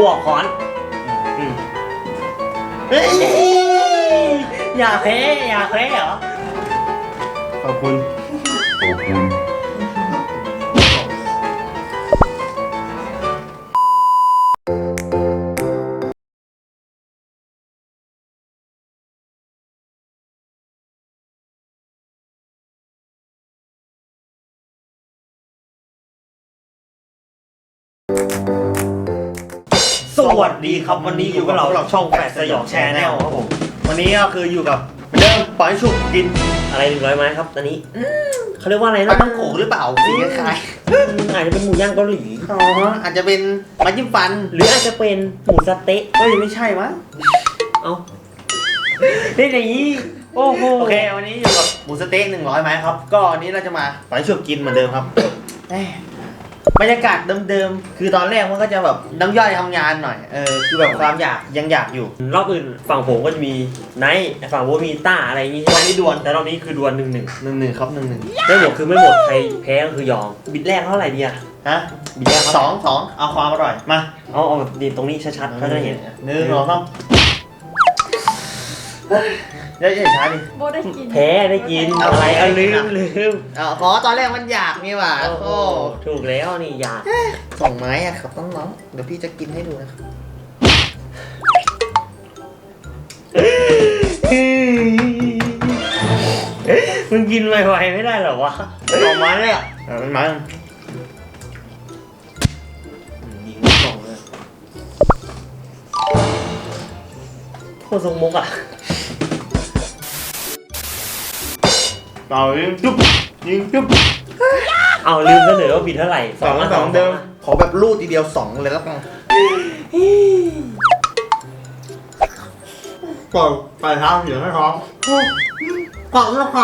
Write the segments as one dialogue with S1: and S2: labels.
S1: กูออกค้อนเฮ้ยอย่าแพ้เหรอ
S2: ขอบคุณ
S1: สวัสดีครับวันนี้อยู่กับเราช่องแปดสยองแชร์แนลครับผมวันนี้ก็คืออยู่กับเหมือนเดิมปล่อยฉุกกินอะไร100 ไม้ครับตอนนี้เขาเรียกว่าอะไรนะ
S2: ปลาต้องโขงหรือเปล่าสีคล้าย
S1: อาจจะเป็นหมูย่างเกาหลี
S2: อ๋ออาจจะเป็นไม้จิ้มฟัน
S1: หรืออาจจะเป็นหมูสะเต๊ะ
S2: เฮ้ยไม่ใช่มั้ง
S1: เอาได้ไหนโอ้โห
S2: โอเควันนี้อยู่กับหมูสเต๊ะ100 ไม้ครับก็วันนี้เราจะมาปล่อยฉุกกินเหมือนเดิมครับบรรยากาศเดิมๆคือตอนแรกมันก็จะแบบน้ำย่อยทำงานหน่อยคือแบบความอยากยังอยากอยู่
S1: รอบอื่นฝั่งผมก็จะมีไนท์ฝั่งผมมีต้าอะไรอย่างงี้ใช่ไหมนี่ดวลแต่รอบนี้คือดวล1-1
S2: ครับ1-1
S1: ไม่หมดคือไม่หมดใครแพ้ก็คือยอมบิดแรกเท่าไหร่ดีอะ
S2: ฮะ
S1: บิดแรก
S2: 2เอาความอร่อยมา
S1: เอาแบบดีตรงนี้ชัดๆเขาจะเห็น
S2: 1 2 3ได้ช้าดิ
S3: โบได้กิน
S1: แพ้ได้กินอะไรลืม
S2: ขอตอนแรกมันอยากนี่หว่าโอ้
S1: ถูกแล้วนี่อยาก
S2: 2 ไม้อะครับน้องๆเดี๋ยวพี่จะกินให้ดูนะครับ
S1: มึงกินไวๆไม่ได้หรอวะ
S2: 2 ไม้เลยอะมันไม้
S1: ยิงสองเลยโคตรทรงมุกอ่ะ
S2: ยิงจุ๊บ
S1: เอาลืมเสนอว่าบิดเท่าไหร่
S2: 2เดิมขอแบบรูดทีเดียว2เลยแล้วกันก่อนไปเท้าเสียงให้ท้องก่อนแล้วค่ะ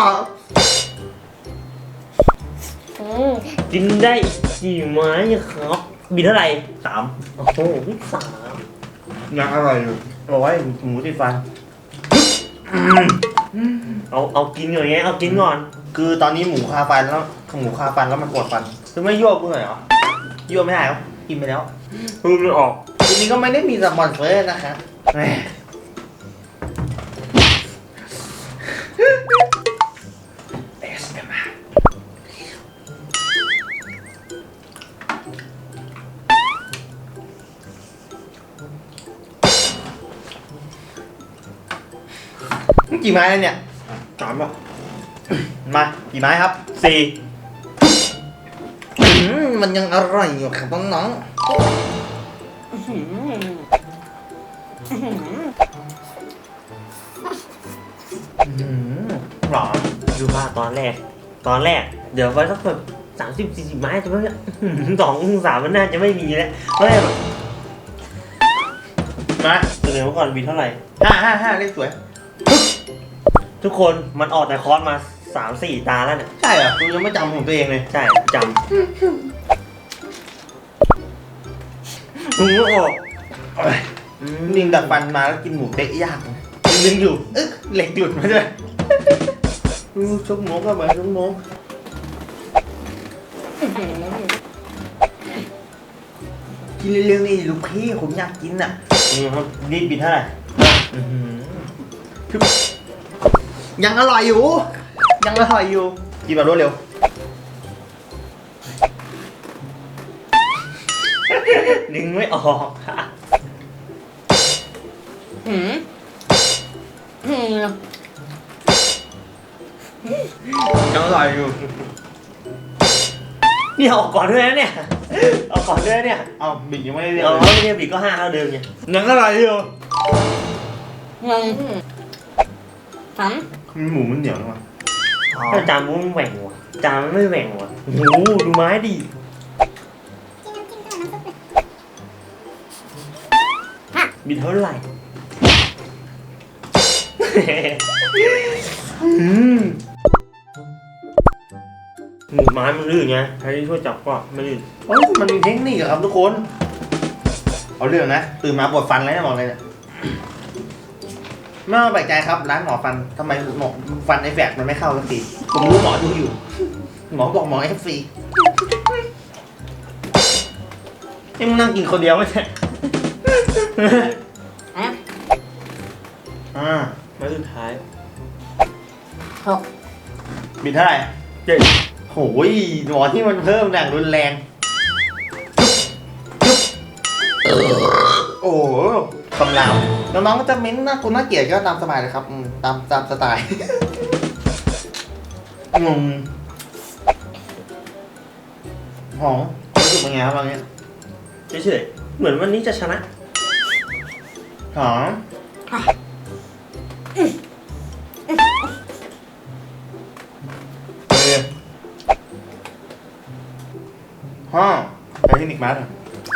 S1: กินได้กี่ไม้ครับบิดเท่าไหร่3โอ้โห3
S2: ยังอร่อยอยู่บอกว่าหมูติดฟัน
S1: เอากินก่อนไงเอากินก่อน
S2: คือตอนนี้หมูคาฟันแล้วมันปวดฟันคือไม่ยั่วกูหน่อยเหรอยั่วไม่ได้หรอกินไปแล้ว
S1: คือมันออก
S2: ทีนี้ก็ไม่ได้มีสปอนเซอร์นะคะกี่ไม้แล้วเนี่ย
S1: 3อ่ะ
S2: มากี่ไม้ครับ4มันยังอร่อยอยู่ครับน้องหรอ
S1: ดูว่าตอนแรกเดี๋ยวไว้สักแบบ30-40 ไม้จะไม่2-3มันน่าจะไม่มีแล้วเพราะอะไรแบบ
S2: มา
S1: เดี๋ยวก่อนบินเท่าไหร่
S2: 5เลขสวย
S1: ทุกคนมันออกแต่คอร์สมา3-4 ตาแล้วเนี่ย
S2: ใช่เหรอกูยังไม่จำของตัวเองเลย
S1: ใช่จำมึงไม่ออก
S2: นิ่งดักฟันมาแล้วกินหมูเต๊ะยากดึงอยู่เหล็กหลุดมาด้วยชุบหมูก็มาชุบหมูกินเร็วๆนี่ลูกพี่ผมอยากกินอ่ะ
S1: นี่บินเท่าไหร่
S2: ยังอร่อยอยู่กินแบบรวดเร็ว
S1: ดึงไม่ออก
S2: ยังอร่อยอยู่
S1: นี่ออกก่อนด้วยนะเนี่ยเอาก่อนด้วยเนี่ย
S2: เอาบิดยังไม่ได้เรียก
S1: ไม่เรียกบิดก็5เท่าเดิมไง
S2: ยังอร่อยอยู่หมูมันเหนียวนะวะ
S1: ถ้าจานมันแหว่งว่ะจานมันไม่แหว่งว่ะโอ้โหดูไม้ดิบิดเท่าไหร่หมูไม้มันลื่นไงใครที่ช่วยจับก็ไม่ลื่น
S2: มันมีเทคนิคครับทุกคนเอาเรื่องนะตื่นมาปวดฟันเลยนะบอกเลยเนี่ยไม่ต้องแปลกใจครับร้านหมอฟันทำไมหมอฟันไอแฝกมันไม่เข้าสักทีผมรู้หมอดูอยู่หมอบอกหมอFC นี่มึงนั่งกินคนเดียวไม่ใช่
S1: ไม้สุดท้าย
S2: บิดเท่าไหร่
S1: เจ็ด
S2: โอ้ยหมอที่มันเพิ่มอย่างรุนแรงโอ้โหคำรามน้องๆก็จะเม้นน่ากูน่าเกลียดก็ตามสบายเลยครับตามสไตล์หอมรู้สึกเป็นไงครับตอนนี้
S1: เฉยๆเหมือนวันนี้จะชนะ
S2: หอมฮ่อไปที่นิกมาร์ท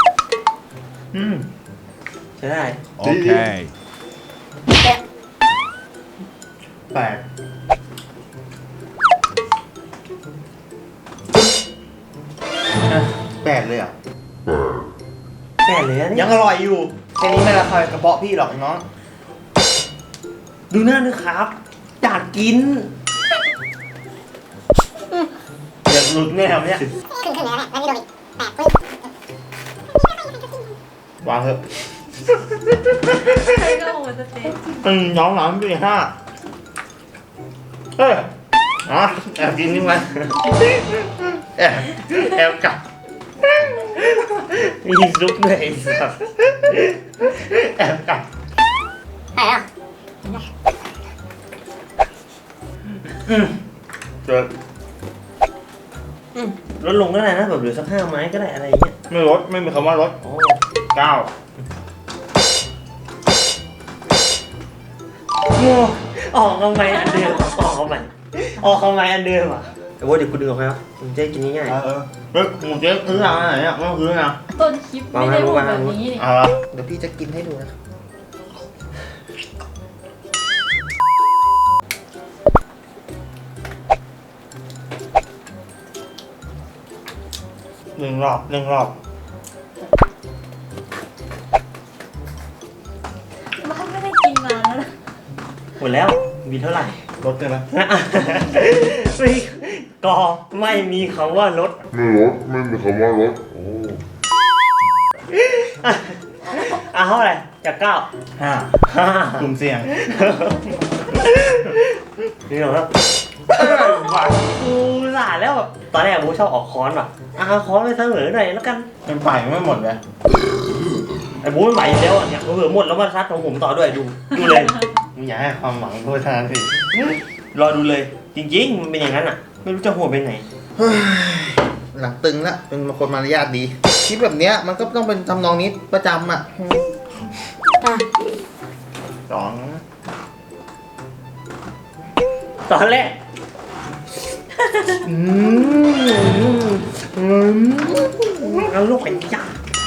S1: ใช่ได้
S3: Okay.
S2: แปลกแปลกเลยอ่ะ
S1: แม่เลยอะ
S2: ยั
S1: เนี่ย
S2: งอร่อยอยู่แค่นี้ไม่ละคายกระเพาะพี่หรอกน้อง
S1: ดูหน้านะครับอยากกิน
S2: อยากหลุดแน่ครับเนี่ย
S4: ขึ้นเลยนะแล้วนี่โดนอีกแตกปึ๊บ
S2: วางเถอะ
S5: ใช่ก็โหสเต็ก
S2: น้องหนอนปีห้าแอบกินนี่มันแอบกลับ
S1: มีซุปด้วยไอ้สัส
S2: แอบกลับ
S4: ไปแล้ว
S2: เจอ
S1: ลดลงก็ได้นะแบบเหลือสัก5 ไม้ก็ได้อะไรอย่างเงี้ย
S2: ไม่ลดไม่มีคำว่าลด
S1: โอ้
S2: 9
S1: ออกทำไมอันเดิมออกทำไมอันเดิมอ่ะแต่ว่าเดี๋ยวกูดึงออกไปครับผมจะได้กินง่าย
S2: เฮ้ยหมูเจ๊ซื้อร้านไหนเนี่ยไม่ต้องซื้อนะ
S5: ต้นคลิปไม่ได้พูดแบบนี้นี่
S2: เอาละ
S1: ๆเดี๋ยวพี่จะกินให้ดูนะครับ
S2: หนึ่งรอบ
S5: บ้านไม่ได้กินนานแล้วนะ
S1: หมดแล้วมีเท่าไหร่
S2: ลดได้ไหม
S1: ไม่ก็ไม่มีคำว่ารถ
S3: ไม่รถไม่มีคำว่ารถโอ้
S1: เท่าไหร่จาก9
S2: 5กลุ่มเสี่ยง
S1: นี่เหรอครับกูสาแล้วแบบตอนแรกกูชอบออกค้อนว่ะค้อนไปเสมอหน่อยแล้วกัน
S2: เป็นฝ่ายไม่หมดเลย
S1: ไอ้บูไม่ไหวอยู่แล้วอ่ะเนี่ยเผื่อหมดแล้วมาซัดของผมต่อด้วยดูเลย
S2: มึงอย่าให้ความหวังโทษทานสิ
S1: รอดูเลย จริงๆมันเป็นอย่างนั้นอ่ะ ไม่รู้จะหัวไปไหน
S2: หลังตึงละเป็นคนมารยาทดีคลิปแบบเนี้ยมันก็ต้องเป็นทำนองนี้ประจำอ่ะ 2
S1: ตอนแรกเอาลูกเป็นยา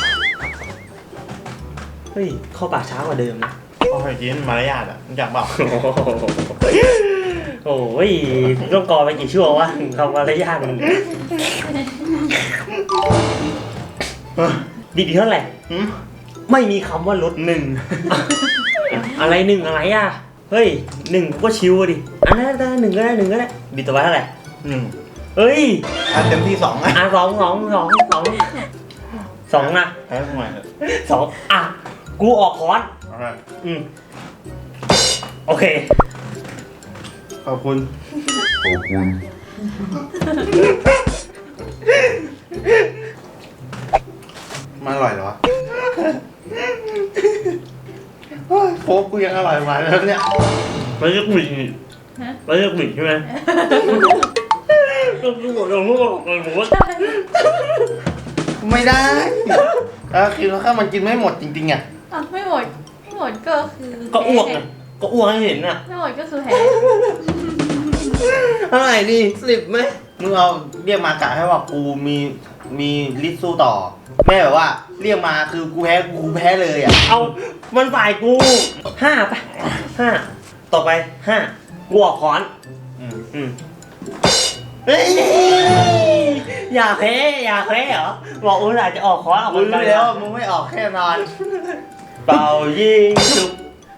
S1: เฮ้ยเข้าปากช้ากว่าเดิมนะ
S2: พอเคยกินมารยาทอ่ะมึงอยากบอก
S1: โอ้ยต้องกอไปกี่ชั่ววะถึงคำว่ารยาทมันดีเท่าไหร่ ไม่มีคำว่าลด1 อะไร1อะไรอ่ะ เฮ้ย1กูก็ชิวอะดิอันนั้นได้1ก็ได้1ก็ได้บิดตัวไว้เท่าไหร่
S2: 1
S1: เฮ้ย
S2: เต็มที่2อ่ะ
S1: 2นะ
S2: แพ้ทำไม
S1: 2กูออกคอนโอเค
S2: ขอบคุณ
S3: ขอบคุณ
S2: มาอร่อยเหรอวะโค้กกูยังอร่อยมาแล้วเนี่ย
S1: มันจะบิดใช่ไหมก็กูบอกเลยว่า
S2: ไม่ได้คือถ้ามันกินไม่หมดจริงๆอ่ะ
S5: ไม่หมดก็คือ
S1: ก็อ้วกไงก็อ้วกให้เห็นอ่ะ
S5: ไม่หมดก็คือแพ้
S1: เท่าไหร่ดี10ไหม
S2: มึงเอาเรียกมากะให้ว่ากูมีลิสต์สู้ต่อ แม่แบบว่าเรียกมาคือกูแพ้เลยอ่ะ
S1: เอามันฝ่ายกู5ไป5ต่อไป5กูออกคอนเฮ้ยอย่าแพ้เหรอบอกอุตส่าห์จะออกคอนออก
S2: มึ
S1: ค
S2: ง
S1: น
S2: รู้
S1: ไป
S2: แล้วมึงไม่ออกแค่นอน
S1: เป่ายิงฉุบ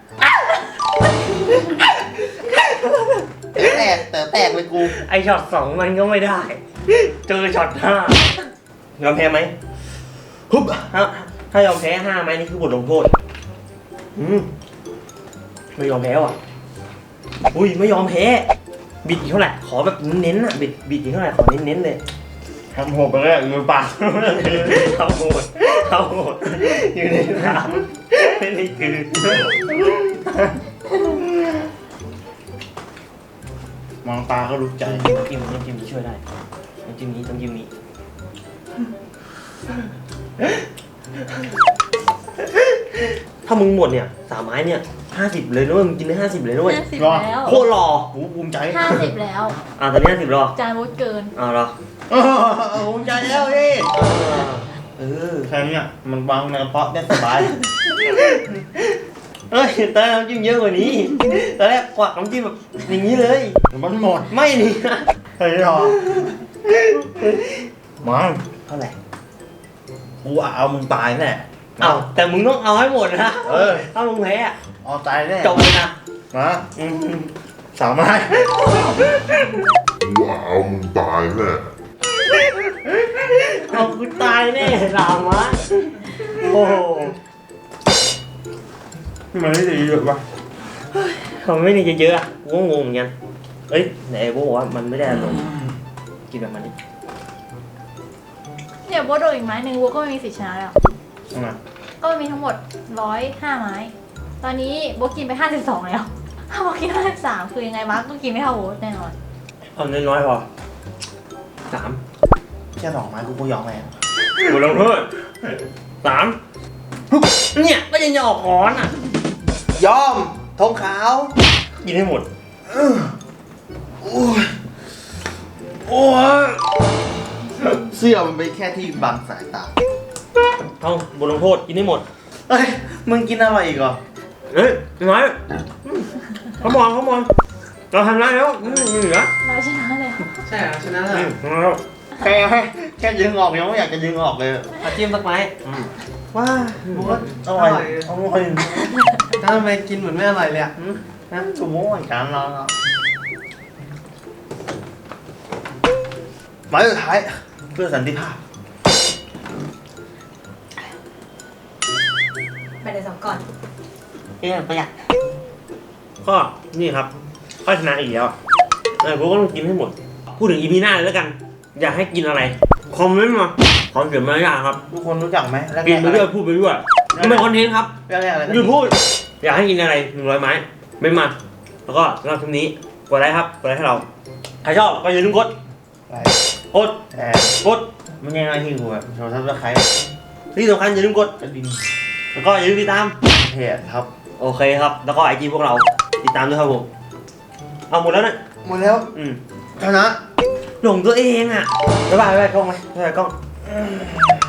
S2: แตกเลยกู
S1: ไอช็อต2มันก็ไม่ได้ เจอช็อต5ยอมแพ้ไหม
S2: ฮึบ
S1: ถ้ายอมแพ้5ไหมนี่คือบทลงโทษไม่ยอมแพ้ว่ะอุ้ยไม่ยอมแพ้บิดอีกเท่าไหร่ขอแบบเน้นๆอ่ะบิดอีกเท่าไหร่ขอเน้นๆเลย
S2: ทำหัวไปเลยมือเปล่า
S1: เอาโหดอยู่ในน้ำไม่ได้คือ
S2: มองตาก็รู้ใจ
S1: น้ำจิ้มนี้ช่วยได้น้ำจิ้มนี้ถ้ามึงหมดเนี่ย3 ไม้เนี่ย50เลยนะเว้ยมึงกินได้50เลยนะเว้ย
S5: 50แล้ว
S1: โคตรหล่อ
S2: กูภูมิใจ
S5: 50แล้ว
S1: ตอนนี้50หรอ
S5: จานมดเกิน
S1: เหรอ
S2: ภูมิใจแล้วพี่
S1: แค่
S2: แค่เนี้ยมันวางในกระเพาะได้สบาย
S1: เอ้ยตอนแรกน้ำจิ้มเยอะกว่านี้ตอนแรกกวักน้ำจิ้มแบบอย่างนี้เลย
S2: มันหมด
S1: ไม่นี่
S2: เฮ้ยหรอมัน
S1: เท่าไหร่
S2: กูเอามึงตายแน่
S1: เอาแต่มึงต้องเอาให้หมดนะ ถ้ามึงแพ้อะ
S2: เอาตายแน่
S1: จบเลยนะ
S2: มาสาวไม้
S3: ว่าเอามึงตายแน่
S1: เอากูตายแน่สามวะโอ้โห
S2: มันไม่ได้เยอะปะ
S1: เขาไม่ได้เยอะๆอ่ะกูก็งงเหมือนกันเอ้ยไหนไอ้โบบอกว่ามันไม่ได้อารมณ์กินแบบมันดิ
S5: เดี๋ยวโบทโดนอีกไม้หนึ่งโบก็ไม่มีสิทธิ์ชนะแล้ว
S2: เอามา
S5: ก็มีทั้งหมด105 ไม้ ตอนนี้โบกินไป52แล้ว ถ้าโบกิน53คือยังไงมาร์กก็กินไม่เท่าโบแน่นอน
S1: เอาน้อยๆพอ3
S2: แค่2 ไม้กูก็ยอมแล้ว
S1: กูลงโทษ3เนี่ยก็ยังจะออกค้อนอ่ะ
S2: ยอมทงขาว
S1: กินให้หมด
S2: โอ้ยโอ้ยเสื้อมันเป็นแค่ที่บังสายตา
S1: เอาบทลงโทษกินให้หมด
S2: เอ้ยมึงกินอะไรอีกอ่ะ
S1: เฮ้ยน้อยเขามองเราทำได้แล้วเหลือ
S5: เราชนะแล้ว
S6: ใช่เหรอชนะแล้ว
S1: แล้ว
S2: แค่ดึงออกยังไม่อยากจะดึงออกเลย
S1: เอาจิ้มสักไม้
S2: ว้าบอสอร่อยอร่อย
S6: แล้วทำไมกินเหมือนไม่อร่อยเลยอ่ะ
S2: นะชูโม่เหมือนกันเราหมายสุดท้ายเพื่อสันติภาพ
S4: ไปเลย2 ก่อน
S1: ประหยัดก็นี่ครับก็ชนะอีกแล้วกูก็ต้องกินให้หมด พูดถึงอีพีหน้าเลยแล้วกัน อยากให้กินอะไรคอมเมนต์มาขอเสียงมารยาทครับ
S2: ทุกคนรู้จักไหมแรกๆ
S1: กินไปเรื่อยพูดไปเรื่อยมันเป็นคอนเทนต์ครับ
S2: แรกๆอะไร
S1: หยุดพูด อยากให้กินอะไร100 ไม้ไม่มา แล้วก็สำหรับคลิปนี้กดไลค์ครับกดไลค์ให้เราใครชอบก็อย่าลืมกด
S2: อะไร
S1: กด
S2: แต่
S1: กด
S2: ไม่ใช่หน้าที่กูอะโชว์ทับตะไคร้
S1: ที่สำคัญอย่าลืมกด
S2: กระดิ่ง
S1: แล้วก็อย่าลืมติดตาม
S2: เพจครับ
S1: โอเคครับ แล้วก็ไอจีพวกเราติดตามด้วยครับผมเอาหมดแล้วนะ
S2: หมดแล้ว
S1: อืม
S2: ชนะ
S1: หลงตัวเองอ่ะบ๊ายบายกล้องไหมบ๊ายบายกล้อง